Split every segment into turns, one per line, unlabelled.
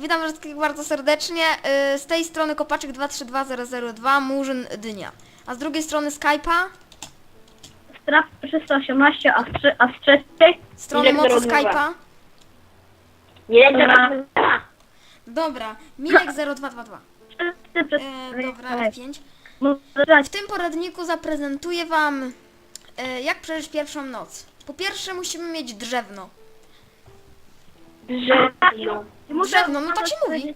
Witam wszystkich bardzo serdecznie. Z tej strony Kopaczek 232002, Murzyn Dynia. A z drugiej strony Skype'a,
Strap 318, a z trzeciej?
strony
Milek
mocy
02.
Skype'a.
Nie,
Dobra, Milek 0222. Dobra, F5. W tym poradniku zaprezentuję wam, jak przeżyć pierwszą noc. Po pierwsze musimy mieć drzewno. Drzewno, no tak się mówi.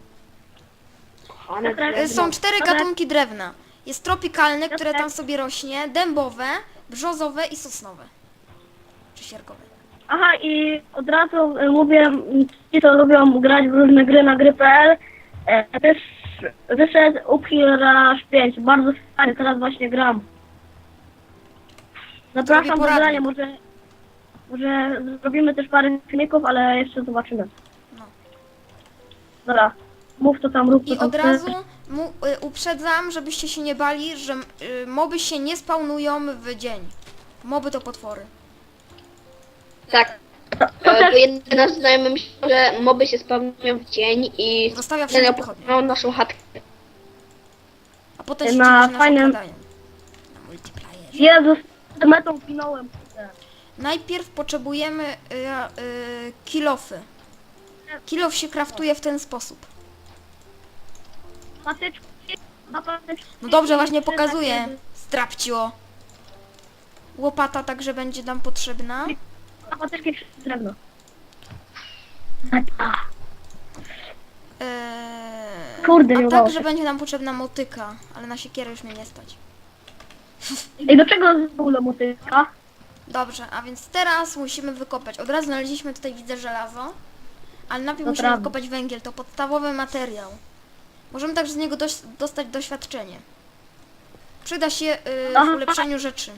Są 4 gatunki drewna. Jest tropikalne, które tam sobie rośnie, dębowe, brzozowe i sosnowe. Czy sierkowe.
Aha, i od razu mówię, ci co lubią grać w różne gry na gry.pl, też wyszedł Uphill Rush 5, bardzo fajny, teraz właśnie gram. Zapraszam do
poradnik.
grania, może zrobimy też parę filmików, ale jeszcze zobaczymy.
No.
Dobra, mów to tam, rób to
I
tam.
od razu uprzedzam, żebyście się nie bali, że moby się nie spawnują w dzień. Moby to potwory.
Tak. Bo jeden nasz znajomy myślał, że moby się spawnują w dzień i
Zostawia wszędzie pochodnie.
miał naszą chatkę.
A potem się
Na
dziwi, że nas
fajnym-
okradają. Na multiplayerze.
Jezus, z metą pinąłem.
Najpierw potrzebujemy kilofy. Kilof się kraftuje w ten sposób.
Patyczki, na patyczki.
No dobrze, właśnie
Trzy
pokazuję.
takie-
Strapcio. Łopata także będzie nam potrzebna.
Na patyczki drewno. Kurde, nie
A
udało
także
się.
będzie nam potrzebna motyka, ale na siekierę już mnie nie stać.
I do czego w ogóle motyka?
Dobrze, a więc teraz musimy wykopać. Od razu znaleźliśmy tutaj, widzę, żelazo. Ale najpierw
To
musimy
prawda.
wykopać węgiel, to podstawowy materiał. Możemy także z niego dostać doświadczenie. Przyda się w
Aha.
ulepszaniu rzeczy.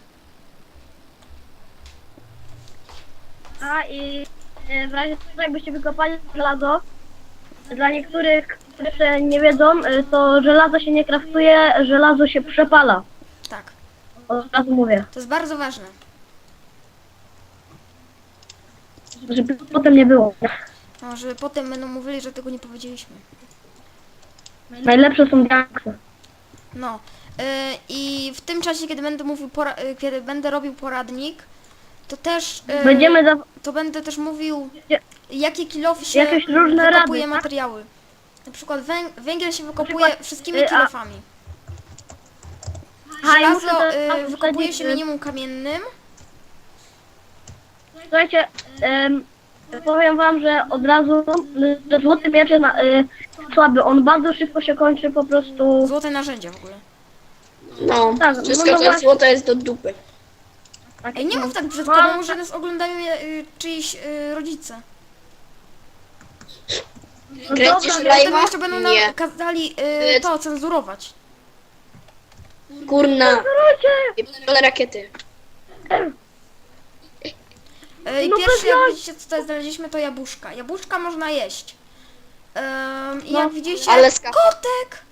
A i w razie czego jakbyście wykopali żelazo, dla niektórych, którzy jeszcze nie wiedzą, to żelazo się nie kraftuje, żelazo się przepala.
Tak,
Od razu mówię,
to jest bardzo ważne.
żeby potem nie było.
No, że potem będą mówili, że tego nie powiedzieliśmy.
Najlepsze są diaksy.
No. I w tym czasie, kiedy będę mówił, kiedy będę robił poradnik, to też
Będziemy
to będę też mówił,
Nie.
jakie kilofy się
Jakieś różne
wykopuje
rady, tak?
materiały. Na przykład węgiel się wykopuje
przykład,
wszystkimi
a-
kilofami.
Aha, i muszę
Żelazo
teraz
wykopuje
wsadzić,
się minimum kamiennym.
Słuchajcie, powiem wam, że od razu, że złoty miecz jest słaby, on bardzo szybko się kończy po prostu.
Złote narzędzia w ogóle.
No,
Tak, no
wszystko co
właśnie.
jest złoto jest do dupy.
Ej, nie mów tak brzydko,
No,
bo może nas oglądają czyjś rodzice.
No
Kręcisz
dobra,
Potem
live'a?
jeszcze będą nam
Nie.
kazali to cenzurować.
Kurna.
Ludzie!
I rakiety.
I
No
pierwsze,
bez
jak
jaj.
widzicie, co tutaj znaleźliśmy, to jabłuszka. Jabłuszka można jeść. I
No,
jak widzicie,
ale skafa.
kotek!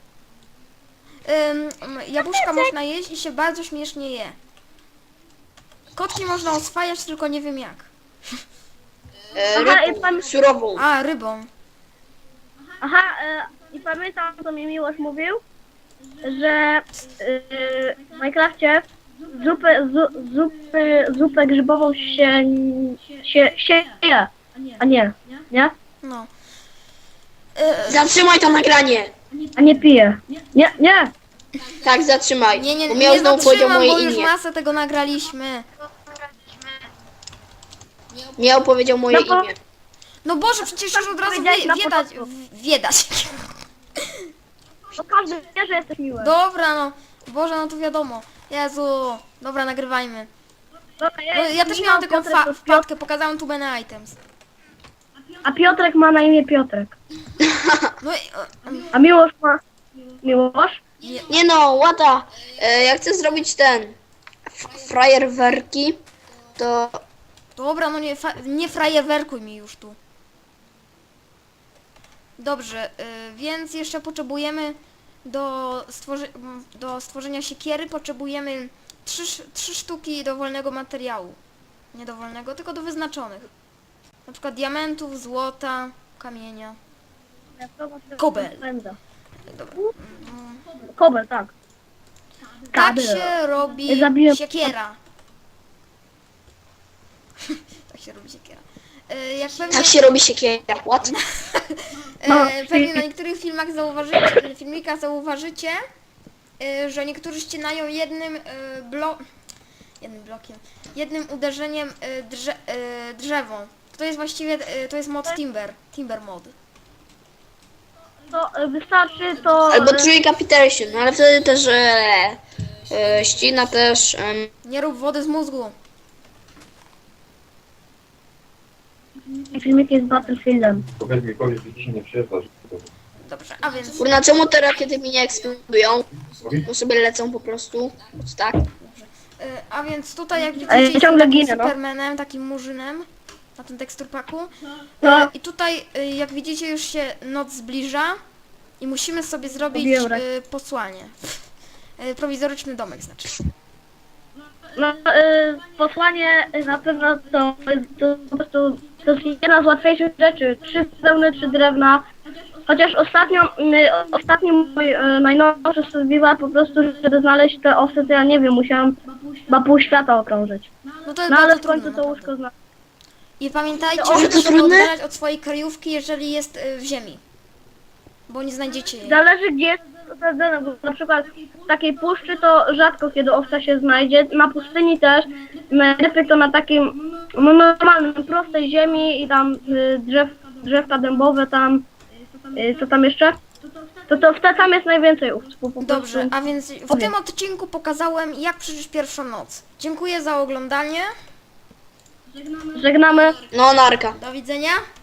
Jabłuszka można jeść i się bardzo śmiesznie je. Kotki można oswajać, tylko nie wiem jak.
Aha,
Rybą, surową.
A, rybą.
Aha, i pamiętam, co mi Miłosz mówił, że w Minecrafcie zupę grzybową się je, a nie,
No.
Zatrzymaj to nagranie.
a nie pije. Nie,
Tak, zatrzymaj.
Nie,
Bo miał
nie
znowu powiedział
zatrzymam, bo
moje
już
imię.
masę tego nagraliśmy.
Miał powiedział moje
No bo-
imię.
No Boże, przecież już od razu
powiedziałeś na
wiedać.
początku.
Wiedać.
to każdy wie, że jesteś miły.
Dobra, no. Boże, no to wiadomo. Jezu. Dobra, nagrywajmy.
Dobra,
No, ja też miałam taką wpadkę, pokazałam tu many items.
A Piotrek ma na imię Piotrek.
No i...
A Miłosz ma... Miłosz?
Nie no, łata. Jak chcę zrobić ten frajerwerki, to
Dobra, no nie frajewerkuj mi już tu. Dobrze, więc jeszcze potrzebujemy do stworzenia siekiery potrzebujemy 3 sztuki dowolnego materiału. Nie dowolnego, tylko do wyznaczonych. Na przykład diamentów, złota, kamienia. Kobel. Dobra.
Kobel, tak.
Tak
Kabel.
się robi
Zabiłem-
siekiera. Tak się robi siekiera. Jak pewnie,
Tak się robi siekiera. What?
pewnie na niektórych filmikach zauważycie, że niektórzy ścinają jednym uderzeniem drzewo. To jest właściwie, to jest mod Timber mod.
To wystarczy to...
Albo Tree Capitation, no ale wtedy też ścina też...
Nie rób wody z mózgu.
Filmik jest Battlefieldem.
Powiedz, że ci nie przyjeżdżasz.
Dobrze, a więc
Kurna, czemu te rakiety mi nie eksplodują? Bo sobie lecą po prostu. Tak.
A więc tutaj jak
ja
widzicie jestem
ciągle
takim
ginę, no.
Supermanem, takim murzynem na tym teksturpaku.
No.
I tutaj jak widzicie już się noc zbliża i musimy sobie zrobić
Lubię
posłanie. Prowizoryczny domek znaczy.
No, posłanie na pewno to po prostu to jest jedna z łatwiejszych rzeczy. 3 wełny, 3 drewna. Chociaż ostatni mój najnowszy survival po prostu, żeby znaleźć te osy, to ja nie wiem, musiałam chyba pół świata okrążyć.
No to jest
No ale
bardzo
w końcu
trudne.
to
naprawdę.
łóżko znalazłem.
I pamiętajcie,
O,
żeby
to
się
trudne?
oddalać od swojej kryjówki, jeżeli jest w ziemi. Bo nie znajdziecie jej.
Zależy gdzie jest osadzone, bo na przykład w takiej puszczy to rzadko kiedy owca się znajdzie, na pustyni też, najlepiej to na takim no, normalnym, prostej ziemi i tam drzewka dębowe tam, co tam jeszcze? To wtedy tam jest najwięcej owców. Po prostu.
Dobrze, a więc w tym odcinku pokazałem, jak przeżyć pierwszą noc. Dziękuję za oglądanie.
Żegnamy.
No, narka.
Do widzenia.